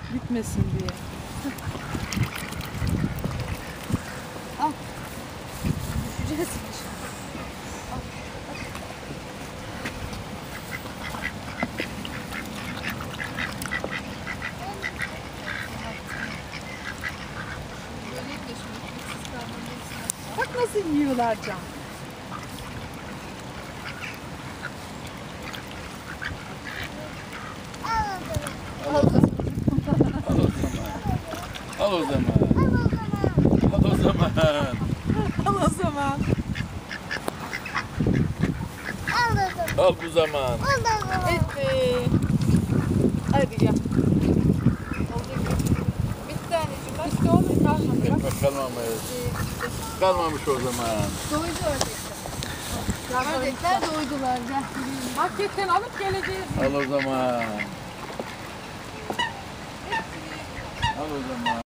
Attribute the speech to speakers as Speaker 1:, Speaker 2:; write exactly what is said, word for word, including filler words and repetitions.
Speaker 1: Bitmesin diye.
Speaker 2: Al. Düşeceğiz.
Speaker 1: Bak nasıl yiyorlar Can.
Speaker 3: Al o zaman. Al o zaman. Al o zaman.
Speaker 1: Al o zaman.
Speaker 3: Al bu zaman.
Speaker 2: Evet. Hadi gel. Oldu gibi. Bitti anneciğim. Başka olur kalmadı. Bak.
Speaker 3: Ekmek kalmamış. Kalmamış o zaman.
Speaker 2: Doydu ördekler. Ördekler doydular. Gel.
Speaker 1: Marketten alıp geleceğiz.
Speaker 3: Al o zaman. Al o zaman.